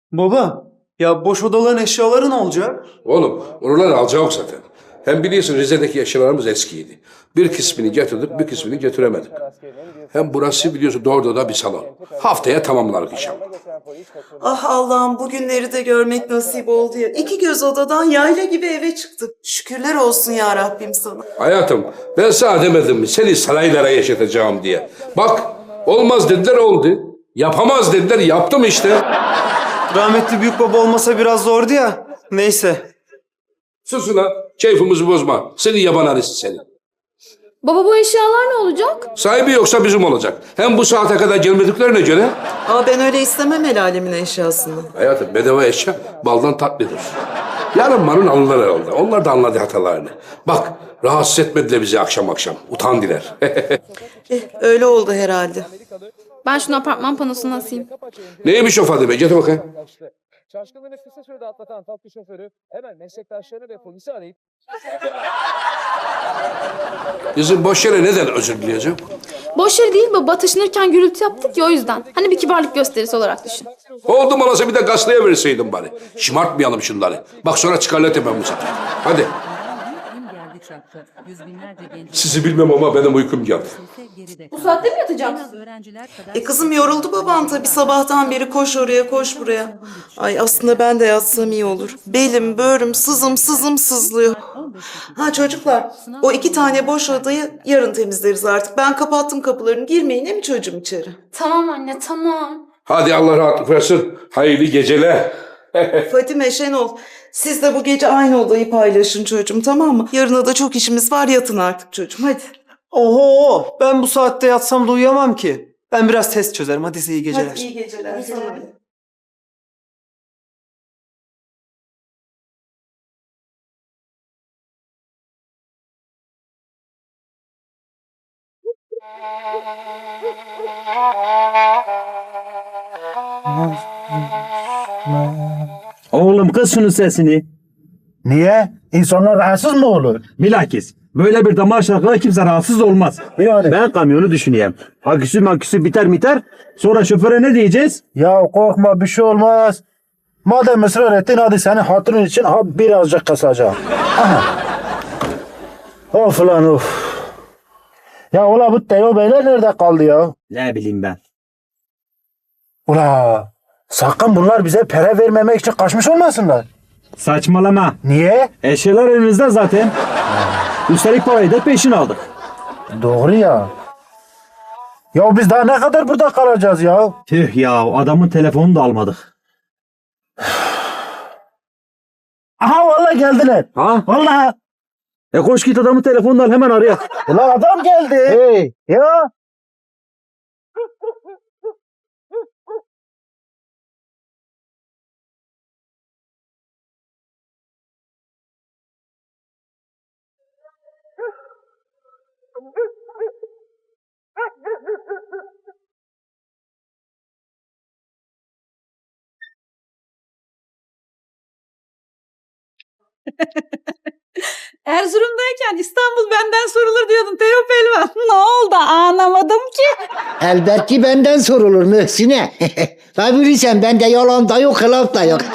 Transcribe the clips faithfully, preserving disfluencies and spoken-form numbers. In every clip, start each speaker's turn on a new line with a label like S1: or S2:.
S1: Baba, ya boş odaların eşyaları ne olacak?
S2: Oğlum oraları alacağım zaten. Hem biliyorsun Rize'deki eşyalarımız eskiydi. Bir kısmını getirdik, bir kısmını getiremedik. Hem burası biliyorsun doğru da bir salon. Haftaya tamamlarız inşallah.
S3: Ah Allah'ım bugünleri de görmek nasip oldu ya. İki göz odadan yayla gibi eve çıktık. Şükürler olsun ya Rabbim sana.
S2: Hayatım ben sana demedim mi seni saraylara yaşatacağım diye. Bak olmaz dediler oldu. Yapamaz dediler yaptım işte.
S1: Rahmetli büyük baba olmasa biraz zordu ya. Neyse.
S2: Sus ulan keyfimizi bozma. Seni yaban arısı seni.
S4: Baba bu eşyalar ne olacak?
S2: Sahibi yoksa bizim olacak. Hem bu saate kadar gelmediklerine göre.
S3: Aa ben öyle istemem el alemin eşyasını.
S2: Hayatım bedava eşya baldan tatlıdır. Yarın marun alırlar herhalde. Onlar da anladı hatalarını. Bak rahatsız etmediler bizi akşam akşam. Utan diler.
S3: Eh öyle oldu herhalde.
S4: Ben şunu apartman panosuna asayım.
S2: Neymiş o Fadime? Getir bakayım.
S5: Şaşkınlığını kısa sürede atlatan tatlı şoförü hemen meslektaşlarını ve polisi arayıp
S2: Kızım boş yere neden özür dileyeceğim?
S4: Boş yer değil baba. Taşınırken gürültü yaptık ya o yüzden. Hani bir kibarlık gösterisi olarak düşün.
S2: Oldu malasa bir de gazeteye verseydin bari. Şımartmayalım şunları. Bak sonra çıkarlar tepem bu sefer. Hadi. Sizi bilmem ama benim uykum geldi.
S4: Bu saatte mi yatacaksın?
S3: E kızım yoruldu baban tabii sabahtan beri koş oraya koş buraya. Ay aslında ben de yatsam iyi olur. Belim böğrüm sızım sızım sızlıyor. Ha çocuklar o iki tane boş odayı yarın temizleriz artık. Ben kapattım kapılarını girmeyin değil mi çocuğum içeri?
S4: Tamam anne tamam.
S2: Hadi Allah rahatlık versin. Hayırlı geceler.
S3: Fatime Şenol siz de bu gece aynı odayı paylaşın çocuğum tamam mı? Yarına da çok işimiz var yatın artık çocuğum hadi.
S1: Oho, ben bu saatte yatsam da uyuyamam ki. Ben biraz test çözerim. Hadi size iyi geceler.
S3: Hadi iyi geceler sana. da.
S6: Oğlum kız şunun sesini.
S7: Niye? İnsanlar rahatsız mı olur?
S6: Bilakis böyle bir damar şarkıda kimse rahatsız olmaz.
S7: Yani.
S6: Ben kamyonu düşüneyim. Aküsü maküsü biter biter. Sonra şoföre ne diyeceğiz?
S7: Ya korkma bir şey olmaz. Madem ısrar ettin hadi senin hatırın için ha birazcık kasacağım. Aha. Of lan of. Ya ula bu Teo beyler nerede kaldı ya?
S6: Ne bileyim ben.
S7: Ula sakın bunlar bize para vermemek için kaçmış olmasınlar.
S6: Saçmalama.
S7: Niye?
S6: Eşyalar elimizde zaten. Üstelik parayı da peşin aldık.
S7: Doğru ya. Ya biz daha ne kadar burada kalacağız ya?
S6: Tüh ya adamın telefonunu da almadık.
S7: Aha vallahi geldiler.
S6: Ha?
S7: Vallahi.
S6: E koş git adamın telefonunu al hemen araya.
S7: Ulan adam geldi. Hey. Ya.
S8: Erzurum'dayken İstanbul benden sorulur diyordun Teo Pelvan. Ne oldu anlamadım ki.
S9: Elbette benden sorulur Mühsin'e. Tabii bilirsen bende yalan da yok, hılaf da yok.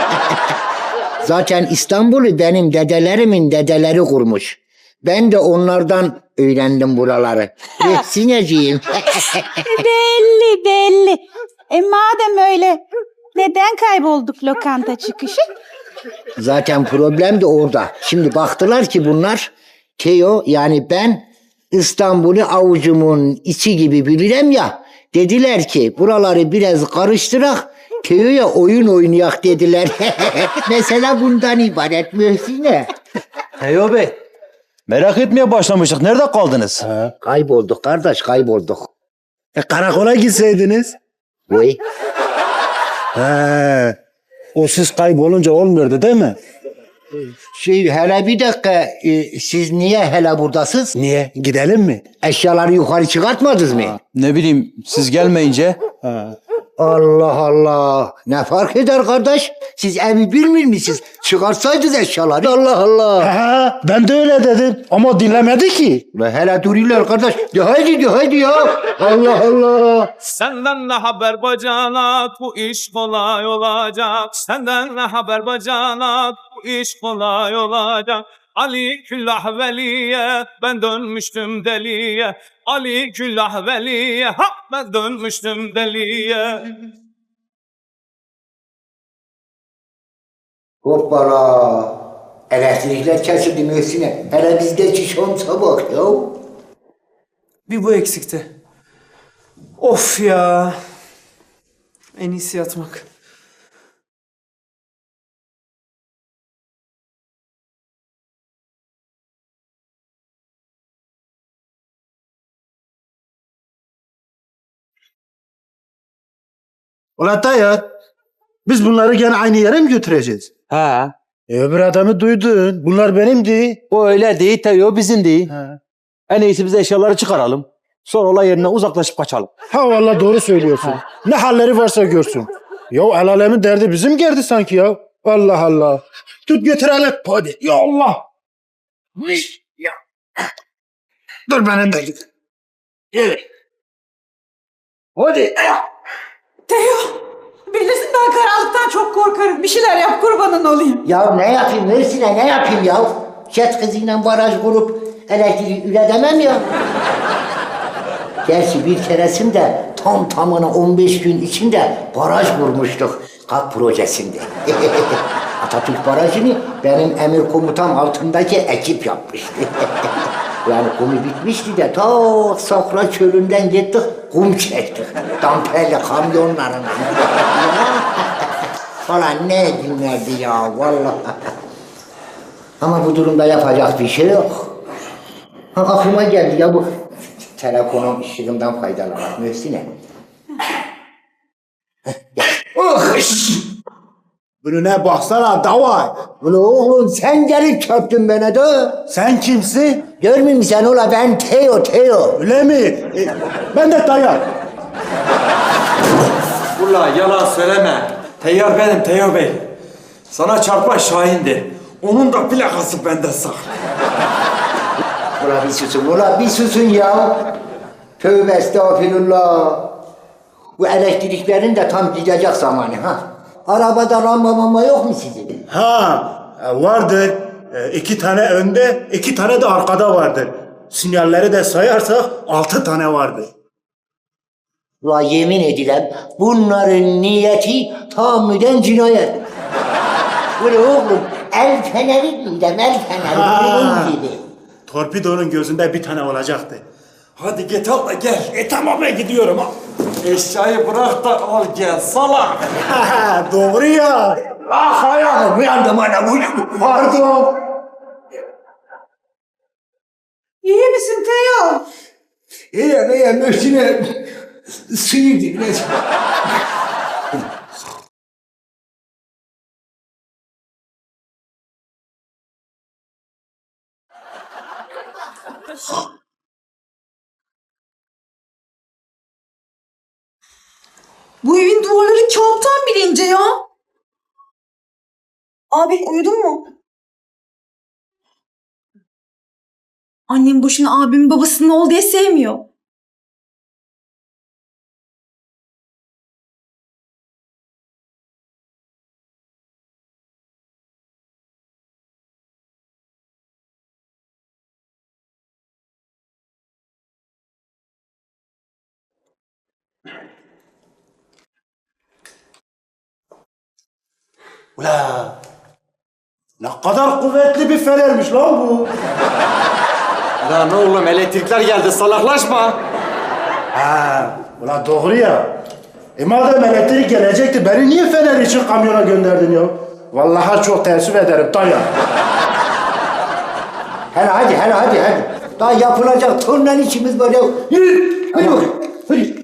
S9: Zaten İstanbul'u benim dedelerimin dedeleri kurmuş. Ben de onlardan öğrendim buraları. Mühsineciğim.
S8: Belli belli. E madem öyle neden kaybolduk lokanta çıkışı?
S9: Zaten problem de orada. Şimdi baktılar ki bunlar Teo yani ben İstanbul'u avucumun içi gibi bilirim ya. Dediler ki buraları biraz karıştırak Teo'ya oyun oynayak dediler. Mesela bundan ibaret Mühsin'e.
S6: Teo Bey. Merak etmeye başlamıştık. Nerede kaldınız?
S9: Kaybolduk kardeş kaybolduk.
S7: E, karakola gitseydiniz.
S9: Vay.
S7: He. O siz kaybolunca olmuyordu değil mi?
S9: Şey hele bir dakika e, siz niye hele buradasınız?
S7: Niye? Gidelim mi?
S9: Eşyaları yukarı çıkartmadınız mı?
S6: Ne bileyim siz gelmeyince.
S9: Allah Allah. Ne fark eder kardeş? Siz evi bilmiyor musunuz? Çıkarsaydınız eşyaları. Allah Allah.
S7: Ha, ben de öyle dedim ama dinlemedi ki.
S9: Ulan hele duruyorlar kardeş. De haydi de haydi ya. Allah Allah.
S5: Senden ne haber bacanak, bu iş kolay olacak. Senden ne haber bacanak, bu iş kolay olacak. Ali küllah veliye, ben dönmüştüm deliye. Ali küllah veliye, ha ben dönmüştüm deliye.
S9: Hoppala. Elektrikler kesildi Möhsin'e. Hele bizde çiş olsa bak ya.
S1: Bir bu eksikti. Of ya. En iyisi yatmak.
S7: Ulan Tayyar, biz bunları gene aynı yere mi götüreceğiz?
S6: Ha.
S7: E öbür adamı duydun. Bunlar benimdi.
S6: O öyle değil tabii o bizim değil.
S7: Ha.
S6: En iyisi biz eşyaları çıkaralım. Sonra olay yerine uzaklaşıp kaçalım.
S7: Ha vallahi doğru söylüyorsun. Ne halleri varsa görsün. Ya el alemin derdi bizim geldi sanki ya. Allah Allah. Tut götürelim. Hadi. Ya Allah. Ya. Dur benim de git. Evet. Hadi.
S8: Teo, bilirsin ben karanlıktan çok korkarım. Bir şeyler yap kurbanın olayım.
S9: Ya ne yapayım Möhsin'e ne yapayım ya? Jet kızıyla baraj kurup elektriği üretemem ya. Gerçi bir keresinde tam tamına on beş gün içinde baraj kurmuştuk. KAP projesinde. Atatürk Barajı'nı benim emir komutam altındaki ekip yapmıştı. Yani kumu bitmişti de ta Safra çölünden gittik kum çektik. Damperli kamyonlarla. Falan ne günlerdi ya vallahi. Ama bu durumda yapacak bir şey yok. Ha, aklıma geldi ya bu telefonum ışığından faydalanmak Möhsin'e.
S7: Bunu ne baksana davay.
S9: Ulan oğlum sen gelip çöptün bana da.
S7: Sen kimsin?
S9: Görmüyor musun sen ola ben Teo Teo.
S7: Öyle mi? E, ben de Tayyar.
S10: Ulan yalan söyleme. Teyyar benim Teo Bey. Sana çarpan Şahin'di. Onun da plakası bende saklı.
S9: Ulan bir susun, ulan bir susun ya. Tövbe estağfirullah. Bu elektriklerin de tam gidecek zamanı ha. Arabada lamba mamba yok mu sizin?
S7: Ha e, vardır. E, iki tane önde, iki tane de arkada vardır. Sinyalleri de sayarsak altı tane vardır.
S9: Ulan yemin edilen bunların niyeti tahammüden cinayet. Ulan oğlum el feneri miydi? El feneri bunun gibi.
S7: Torpidonun gözünde bir tane olacaktı.
S10: Hadi git al da gel.
S7: E tamam ben gidiyorum ha.
S10: Eşyayı bırak da al gel salak.
S7: Doğru ya.
S9: Ah ayağım uyandım ana uyandım. Pardon.
S8: İyi misin Teo?
S9: İyi iyi Möhsin'e sıyırdı biraz.
S8: Bu evin duvarları kağıttan bile ince ya. Abi uyudun mu? Annem boşuna abimin babasının ol diye sevmiyor.
S7: Ula. Ne kadar kuvvetli bir fenermiş lan bu.
S10: Lan oğlum elektrikler geldi salaklaşma.
S7: Ha, ula doğru ya. E madem elektrik gelecekti beni niye fener için kamyona gönderdin ya? Vallahi çok teessüf ederim Tayyar.
S9: Hele hadi hele hadi hadi. Daha yapılacak turnan içimiz var ya. Yürü. Hadi bakayım. Hadi.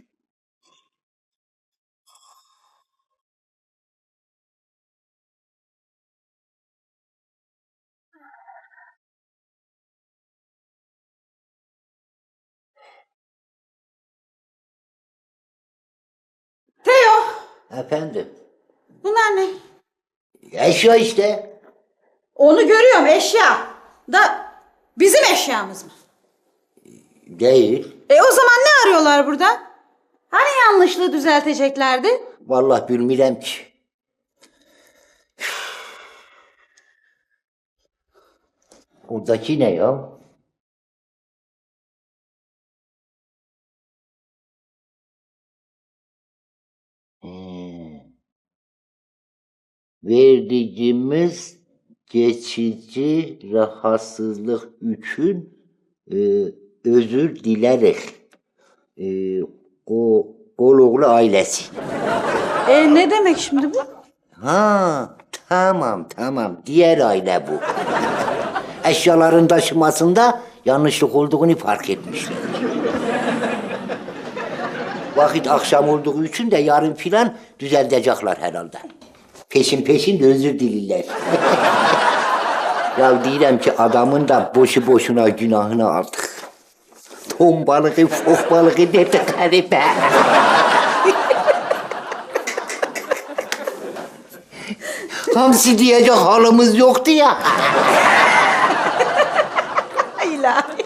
S8: Teo,
S9: Efendim.
S8: bunlar ne?
S9: Eşya işte.
S8: Onu görüyorum eşya. Da bizim eşyamız mı?
S9: Değil.
S8: E o zaman ne arıyorlar burada? Hani yanlışlığı düzelteceklerdi?
S9: Vallahi bilmirəm ki. Oradaki ne ya? Hmm. Verdiğimiz geçici rahatsızlık için e, özür dileriz. E, o Koloğlu ailesi.
S8: E ne demek şimdi bu?
S9: Ha, tamam tamam. Diğer aile bu. Eşyaların taşımasında yanlışlık olduğunu fark etmişler. Vakit akşam olduğu için de yarın filan düzeltecekler herhalde. Peşin peşin de özür dilirler. Ya diyeceğim ki adamın da boşu boşuna günahını aldık. Ton balığı, fok balığı dedikleri be. Hamsi diyecek halimiz yoktu ya.
S8: İlahi.